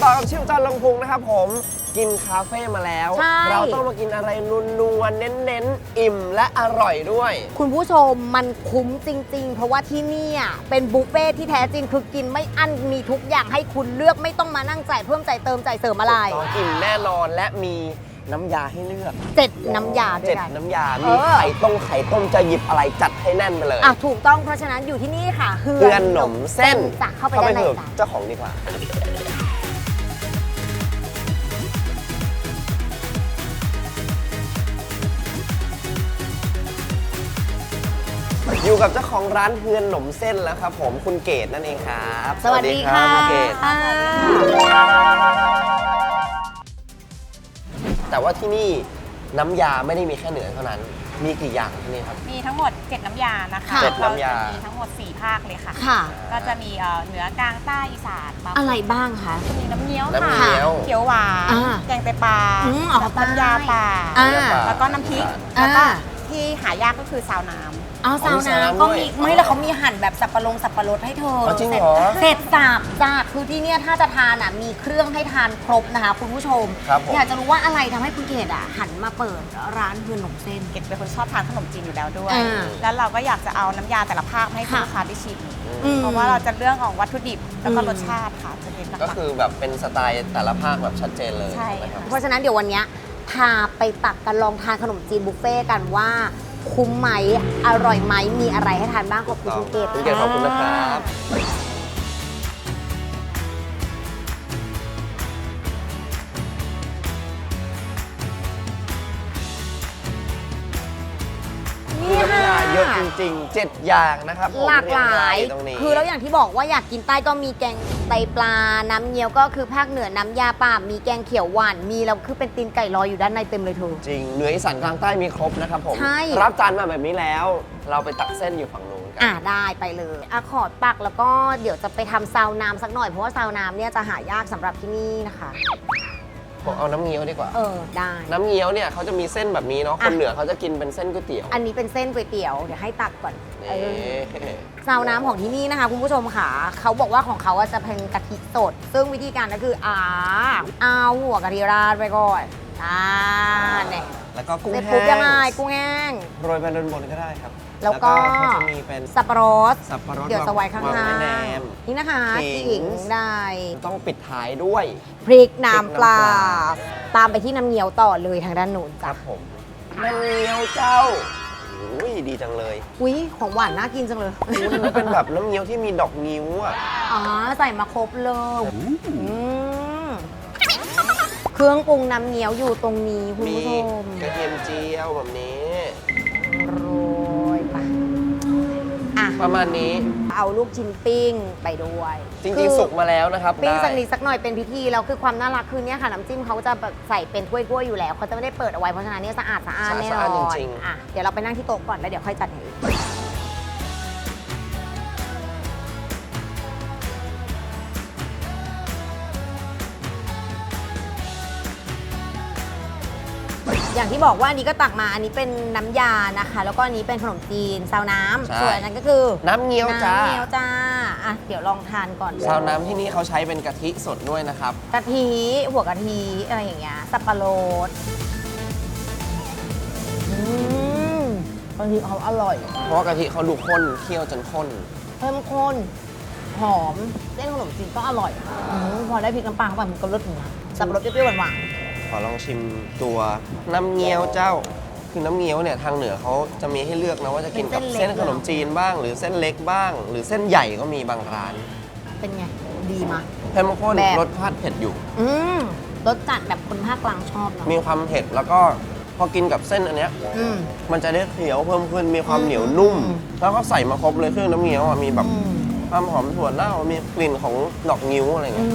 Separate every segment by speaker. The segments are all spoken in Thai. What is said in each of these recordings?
Speaker 1: ต่อกับชิวจันทร์ลงพุงนะครับผมกินคาเฟ่มาแล้วเราต้องมากินอะไรนัวๆเน้นๆอิ่มและอร่อยด้วย
Speaker 2: คุณผู้ชมมันคุ้มจริงๆเพราะว่าที่นี่เป็นบุฟเฟ่ที่แท้จริงคือกินไม่อั้นมีทุกอย่างให้คุณเลือกไม่ต้องมานั่งจ่ายเพิ่มจ่ายเติมจ่ายเสริมอะไร
Speaker 1: อิ่มแน่นอนและมีน้ำยาให้เลือก
Speaker 2: 7น้ำยาด้วยกัน
Speaker 1: 7น้ำยามีไข่ต้มจะหยิบอะไรจัดให้แน่นไปเลย
Speaker 2: ถูกต้องเพราะฉะนั้นอยู่ที่นี่ค่ะ
Speaker 1: เฮือนหนมเส้น
Speaker 2: จะเข้าไปด้านใน
Speaker 1: เจ้าของดีกว่าอยู่กับเจ้าของร้านเฮือนหนมเส้นแล้วครับผมคุณเกดนั่นเองครับ
Speaker 2: สวัสดีค่ะ
Speaker 1: เกดแต่ว่าที่นี่น้ำยาไม่ได้มีแค่เหนือเท่านั้นมีกี่อย่างที่นี่ครับ
Speaker 3: มีทั้งหมด7น้ำยานะคะ
Speaker 1: 7น้ำยา
Speaker 3: มีทั้งหมด4ภาคเลยค่ะ
Speaker 2: ค่ะ
Speaker 3: ก็จะมีเหนือกลางใต้อีสาน
Speaker 2: อะไรบ้างคะ
Speaker 3: จะมีน้ำเงี้ยวค่ะเขียวหวานแกงไตปลาน้ำยาป่าแล้วก็น้ำพริกแล้วก็ที่หายากก็คือซาวน้ำ
Speaker 2: ซาวน้ำก็มีไม่แล้วเขามีหั่นแบบสับปะรดให้เธอ
Speaker 1: จริงเหรอ
Speaker 2: เสร็จสับจ้าคือที่เนี่ยถ้าจะทานมีเครื่องให้ทานครบนะคะคุณผู้ชมอยากจะรู้ว่าอะไรทำให้คุณเกดหันมาเปิดร้านเฮือนหนมเส้น
Speaker 3: เกดเป็นคนชอบทานขนมจีนอยู่แล้วด้วยแล้วเราก็อยากจะเอาน้ำยาแต่ละภาคให้ลูกค้าได้ชิมเพราะว่าเราจะเรื่องของวัตถุดิบแล้วก็รสชาติค่ะจะเป็น
Speaker 1: ก็คือแบบเป็นสไตล์แต่ละภาคแบบชัดเจนเลย
Speaker 3: ใช่
Speaker 2: เพราะฉะนั้นเดี๋ยววันนี้พาไปตักกันลองทานขนมจีนบุฟเฟ่กันว่าคุ้มไหมอร่อยไหมมีอะไรให้ทานบ้างขอบคุณคุณเกด
Speaker 1: ขอบคุณนะครับเยอะจริงๆ7อย่างนะครับ
Speaker 2: หลากหลายคือแล้วอย่างที่บอกว่าอยากกินใต้ก็มีแกงไตปลาน้ำเงี้ยวก็คือภาคเหนือน้ำยาป่ามีแกงเขียวหวานมีแล้วคือเป็นตีนไก่ลอยอยู่ด้านในเต็มเลยเธอ
Speaker 1: จริงเหนืออีสานกลางใต้มีครบนะครับผมรับจานมาแบบนี้แล้วเราไปตักเส้นอยู่ฝั่งนู้นกัน
Speaker 2: ได้ไปเลยขอตักแล้วก็เดี๋ยวจะไปทำซาวน้ำสักหน่อยเพราะว่าซาวน้ำเนี่ยจะหายากสำหรับที่นี่นะคะ
Speaker 1: ผมเอาน้ำเงี้ยวดีกว่า
Speaker 2: ได้
Speaker 1: น้ำเงี้ยวเนี่ยเขาจะมีเส้นแบบนี้เนาะคนเหนือเขาจะกินเป็นเส้นก๋วยเตี๋ยว
Speaker 2: อันนี้เป็นเส้นก๋วยเตี๋ยวเดี๋ยวให้ตักก่อนซาวน้ำของที่นี่นะคะคุณผู้ชมค่ะเขาบอกว่าของเขาจะเป็นกะทิสดซึ่งวิธีการก็คือเอาหัวกะทิราดไปก่อนเนี่ย
Speaker 1: แล้วก็กุ้งแห้
Speaker 2: งยังไงกุ้งแห้ง
Speaker 1: โรยไปบนก็ได้ครับ
Speaker 2: แล้วก็
Speaker 1: จะมีเป็น
Speaker 2: สับปะรดเดี๋ยวสวายข้าง
Speaker 1: ๆ
Speaker 2: นี่นะคะขิงได้
Speaker 1: ต้องปิดท้ายด้วย
Speaker 2: พริกน้ำปลาตามไปที่น้ำเงี้ยวต่อเลยทางด้านโน้น
Speaker 1: ครับผมน้ำเงี้ยวเจ้าอุ้ยดีจังเลย
Speaker 2: ของหวานน่ากินจังเลย
Speaker 1: มันเป็นแบบน้ำเงี้ยวที่มีดอกงิ้ว
Speaker 2: ใส่มาครบเลยเครื่องปรุงน้ำเงี้ยวอยู่ตรงนี้คุณผู้ชม
Speaker 1: กระเทียมเจียวแบบนี้
Speaker 2: โรยไป
Speaker 1: ประมาณนี้
Speaker 2: เอาลูกชิ้นปิ้งไปด้วย
Speaker 1: จริงๆสุกมาแล้วนะครับ
Speaker 2: ปิ้งสักนิดสักหน่อยเป็นพิธีแล้วคือความน่ารักคือเนี่ยค่ะน้ำจิ้มเขาจะใส่เป็นถ้วยๆอยู่แล้วเขาจะไม่ได้เปิดเอาไว้เพราะฉะนั้นเนี่ยสะอาดแน่นอนเดี๋ยวเราไปนั่งที่โต๊ะก่อนแล้วเดี๋ยวค่อยจัดให้อย่างที่บอกว่าอันนี้ก็ตักมาอันนี้เป็นน้ำยานะคะแล้วก็อันนี้เป็นขนมจีนซาวน้ำส่วนอันนั้นก็คือ
Speaker 1: น้ำเงี้ยวจ้า
Speaker 2: เดี๋ยวลองทานก่อน
Speaker 1: ซาวน้ำที่นี่เขาใช้เป็นกะทิสดด้วยนะครับ
Speaker 2: กะทิหัวกะทิอะไรอย่างเงี้ยสับปะรดกะทิเขาอร่อย
Speaker 1: เพราะว่ากะทิเขาดูข้นเคี่ยวจนข้น
Speaker 2: เข้มข้นหอมเส้นขนมจีนก็อร่อยพอได้พริกน้ำปลาเข้าไปมันก็รสถึงสับปะรดเปรี้ยวๆหวาน
Speaker 1: ขอลองชิมตัวน้ำเงี้ยวเจ้าคือน้ำเงี้ยวเนี่ยทางเหนือเขาจะมีให้เลือกนะว่าจะกินกับเส้นขนมจีนบ้างหรือเส้นเล็กบ้างหรือเส้นใหญ่ก็มีบางร้าน
Speaker 2: เป็นไงดีมั้ย
Speaker 1: เข้มข้นรสชาติเผ็ดอยู่
Speaker 2: รสจัดแบบคนภาคกลางชอบเนาะ
Speaker 1: มีความเผ็ดแล้วก็พอกินกับเส้นอันเนี้ยมันจะได้เคี้ยวเพิ่มขึ้นมีความเหนียวนุ่มแล้วก็ใส่มาครบเลยเครื่องน้ำเงี้ยวมีแบบความหอมถั่วเน่ามีกลิ่นของดอกงิ้วอะไรเงี้ย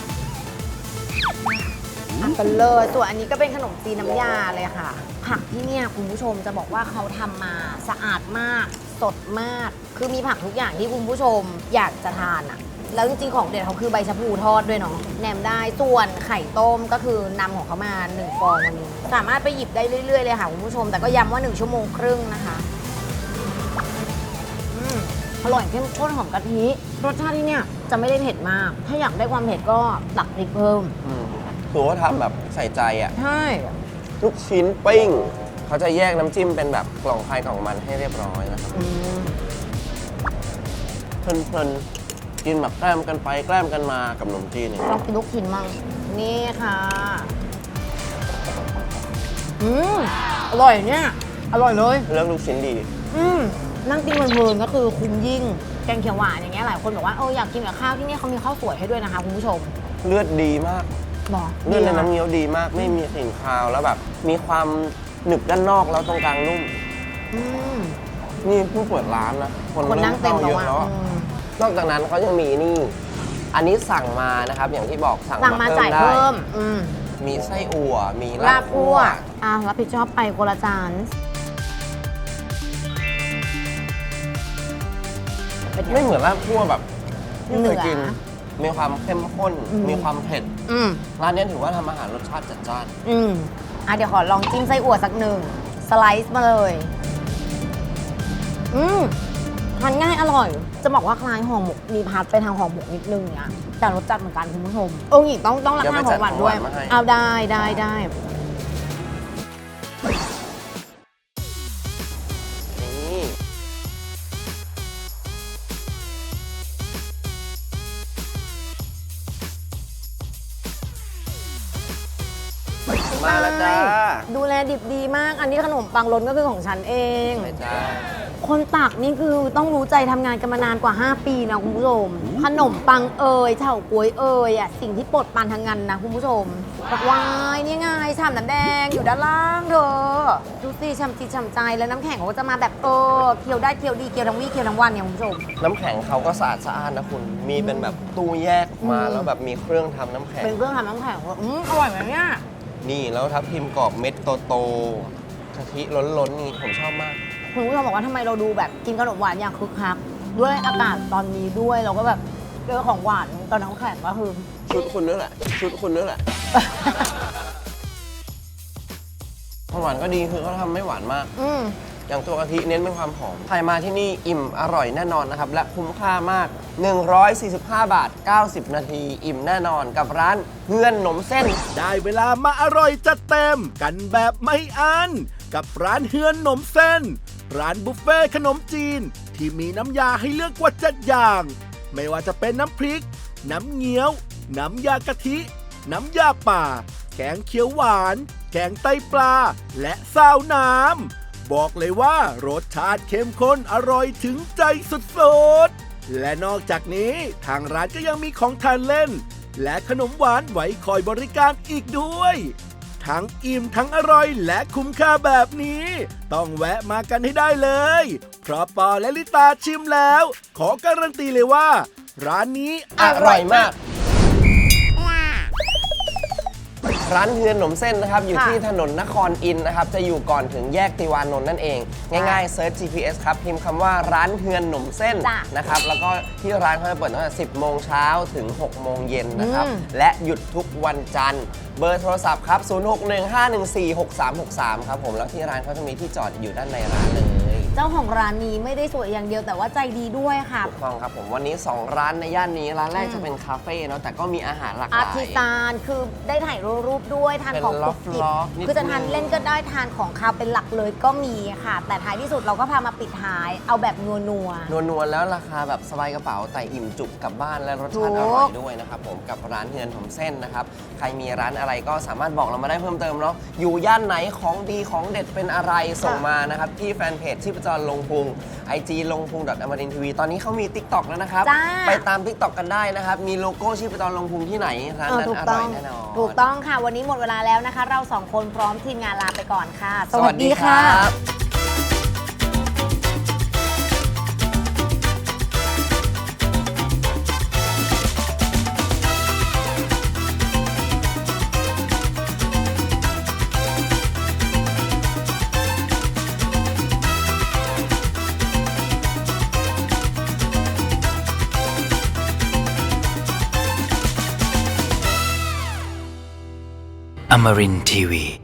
Speaker 2: กันเลยส่วนอันนี้ก็เป็นขนมจีนน้ำยาเลยค่ะผักที่เนี่ยคุณผู้ชมจะบอกว่าเขาทำมาสะอาดมากสดมากคือมีผักทุกอย่างที่คุณผู้ชมอยากจะทานแล้วจริงๆของเด็ดเขาคือใบชะพูทอดด้วยเนาะแหนมได้ส่วนไข่ต้มก็คือนำของเขามา1ฟองวันนี้สามารถไปหยิบได้เรื่อยๆเลยค่ะคุณผู้ชมแต่ก็ย้ำว่า1 ชั่วโมงครึ่งนะคะอร่อยเข้มข้นหอมกะทิรสชาติที่เนี่ยจะไม่ได้เผ็ดมาก ถ้าอยากได้ความเผ็ดก็ตักพริกเพิ่ม
Speaker 1: คือว่าทำแบบใส่ใจอ่ะ
Speaker 2: ใช่
Speaker 1: ลูกชิ้นปิ้งเขาจะแยกน้ำจิ้มเป็นแบบกล่องใครกล่องมันให้เรียบร้อยนะครับ
Speaker 2: อืม
Speaker 1: เพลินๆกินแบบแกล้มกันไปแกล้มกันมากับขนมจีนเนี่ย
Speaker 2: ลองกินลูกชิ้นมั่งนี่ค่ะอร่อยเนี่ยอร่อยเลย
Speaker 1: เลือกลูกชิ้นดี
Speaker 2: นั่งกินเพลินๆก็คือคุ้มยิ่งแกงเขียวหวานอย่างเงี้ยหลายคนบอกว่าอยากกินกับข้าวที่นี่เขามีข้าวสวยให้ด้วยนะคะคุณผู้ชม
Speaker 1: เลือดดีมาก
Speaker 2: หรอ
Speaker 1: เลือดในน้ำเงี้ยวดีมาก ไม่มีกลิ่นคาวแล้วแบบ มีความหนึบด้านนอกแล้วตรงกลางนุ่ม
Speaker 2: อืม
Speaker 1: นี่เพิ่งเปิดร้านนะ
Speaker 2: คนนั่งเต็ม
Speaker 1: เย
Speaker 2: แล้ว
Speaker 1: อะ
Speaker 2: อ่ะ
Speaker 1: แล้วอะนอกจากนั้นเขายังมีนี่ อันนี้สั่งมานะครับ อย่างที่บอกสั่ง
Speaker 2: สั่งมา
Speaker 1: มา
Speaker 2: จ่าย
Speaker 1: เพิ่
Speaker 2: เพิ่
Speaker 1: ม
Speaker 2: ม
Speaker 1: ได้มีไส้อั่วมี
Speaker 2: ลา
Speaker 1: ลา
Speaker 2: บบ คั่
Speaker 1: คั่
Speaker 2: ว
Speaker 1: ว
Speaker 2: รับผิดชอบไปคนละจานเป็นไง
Speaker 1: ไม่เหมือนลาบคั่วแบบที่
Speaker 2: เหนื
Speaker 1: เค
Speaker 2: อ
Speaker 1: ยกิน มีความเข้มข้น
Speaker 2: อืม
Speaker 1: มีความเผ็ด
Speaker 2: อืม
Speaker 1: ร้านนี้ถือว่าทำอาหารรสชาติจัดจ้าน
Speaker 2: เดี๋ยวขอลองจิ้มไส้อั่วสักหนึ่งสไลซ์มาเลยทานง่ายอร่อย จะบอกว่าคล้ายห่อหมกมีพาร์ทไปทางห่อหมกนิดนึงเนี่ยแต่รสจัดเหมือนกันคุณผู้ชมหญิงต้องราคาของหวานด้วย เอาได้
Speaker 1: นี่มาแล้วจ้า
Speaker 2: ดูแลดิบดีมาก อันนี้ขนมปังล้นก็คือของฉันเอง
Speaker 1: ไปจ้า
Speaker 2: คนตักนี่คือต้องรู้ใจทำงานกันมานานกว่า 5 ปีนะคุณผู้ชม ขนมปังเฉาก๊วยสิ่งที่ปลดปานทางงานนะคุณผู้ชมบอกวายนี่ไงชามน้ำแดงอยู่ด้านล่างเธอดูสิฉ่ำจิตฉ่ำใจแล้วน้ำแข็งเขาก็จะมาแบบเคี้ยวได้เคี้ยวดีเคี้ยวทั้งวี่เคี้ยวทั้งวันเนี่ยคุณผู้ชม
Speaker 1: น้ำแข็งเขาก็สะอาดสะอ้านนะคุณ มีเป็นแบบตู้แยกออกมา แล้วแบบมีเครื่องทำน้ำแข็ง
Speaker 2: เป็นเครื่องทำน้ำแข็งอร่อยไหมเนี่ย
Speaker 1: นี่แล้วทับทิมกรอบเม็ดโตๆกะทิล้นๆนี่ผมชอบมาก
Speaker 2: คุณผู้ชมบอกว่าทำไมเราดูแบบกินขนมหวานอย่างคึกคักด้วยอากาศตอนนี้ด้วยเราก็แบบเจอของหวานตอนน้ำแข็งก็คือ
Speaker 1: ชุดคุณนั่นแหละ ชุดคุณนั่นแหละ ความหวานก็ดีคือเขาทำไม่หวานมาก อย่างตัวกะทิเน้นเป็นความหอม ใครมาที่นี่อิ่มอร่อยแน่นอนนะครับ และคุ้มค่ามาก 145 บาท 90 นาที อิ่มแน่นอนกับร้านเฮือนหนมเส้น
Speaker 4: ได้เวลามาอร่อยจัดเต็มกันแบบไม่อั้นกับร้านเฮือนหนมเส้น ร้านบุฟเฟ่ขนมจีนที่มีน้ำยาให้เลือกกว่า7อย่าง ไม่ว่าจะเป็นน้ำพริก น้ำเงี้ยว น้ำยากะทิ น้ำยาป่า แกงเขียวหวาน แกงไตปลา และซาวน้ำบอกเลยว่ารสชาติเข้มข้นอร่อยถึงใจสุดๆและนอกจากนี้ทางร้านก็ยังมีของทานเล่น และขนมหวานไว้คอยบริการอีกด้วย ทั้งอิ่มทั้งอร่อยและคุ้มค่าแบบนี้ ต้องแวะมากันให้ได้เลย เพราะปอและลิตาชิมแล้ว ขอการันตีเลยว่า ร้านนี้
Speaker 1: อร่อยมาก ร้านเฮือนหนมเส้นนะครับ อยู่ที่ถนนนครอินทร์นะครับ จะอยู่ก่อนถึงแยกติวานนท์นั่นเอง ง่ายๆเซิร์ช GPS ครับ พิมพ์คำว่าร้านเฮือนหนมเส้นนะครับ แล้วก็ที่ร้านเขาจะเปิดตั้งแต่ 10 โมงเช้าถึง 6 โมงเย็นนะครับ และหยุดทุกวันจันทร์ เบอร์โทรศัพท์ครับ 0615146363 ครับผม แล้วที่ร้านเขาจะมีที่จอดอยู่ด้านในร้านเลย
Speaker 2: เจ้าของร้านนี้ไม่ได้สวยอย่างเดียวแต่ว่าใจดีด้วยค่ะ
Speaker 1: ถูกต้องครับผมวันนี้ 2 ร้านในย่านนี้ ร้านแรกจะเป็นคาเฟ่เนาะแต่ก็มีอาหารหลากห
Speaker 2: อา
Speaker 1: ลาย
Speaker 2: ทิซานคือได้ถ่ายรูปด้วยทานของ
Speaker 1: เป็น
Speaker 2: กรุบกริบ
Speaker 1: ล็อกๆนิดนึง
Speaker 2: คือจะทานเล่นก็ได้ทานของคาวเป็นหลักเลยก็มีค่ะ แต่ท้ายที่สุดเราก็พามาปิดท้ายเอาแบบนัว
Speaker 1: นวลๆแล้วราคาแบบสบายกระเป๋าแต่อิ่มจุกกลับบ้านและรสชาติ
Speaker 2: ถู
Speaker 1: อก ร่อยด้วยนะครับผมกับร้านเฮือนหนมเส้นนะครับใครมีร้านอะไรก็สามารถบอกเรามาได้เพิ่มเติมเนาะอยู่ย่านไหนของดีของเด็ดเป็นอะไรส่งมานะครับที่แฟนเพจชีพจรลงพุง IG ลงพุง.amarinTV ตอนนี้เขามี TikTok แล้วนะครับ
Speaker 2: จ้า
Speaker 1: ไปตาม TikTok กันได้นะครับมีโลโก้ชีพจรลงพุงที่ไหนร้านนั้น
Speaker 2: ถูก
Speaker 1: อ
Speaker 2: ต้
Speaker 1: ร่
Speaker 2: อ
Speaker 1: อย
Speaker 2: ง
Speaker 1: แน่นอน
Speaker 2: ถูกต้องค่ะ วันนี้หมดเวลาแล้วนะคะ เราสองคนพร้อมทีมงานลาไปก่อนค่ะ
Speaker 1: สวัสดีครับ
Speaker 5: Amarin Tiwi.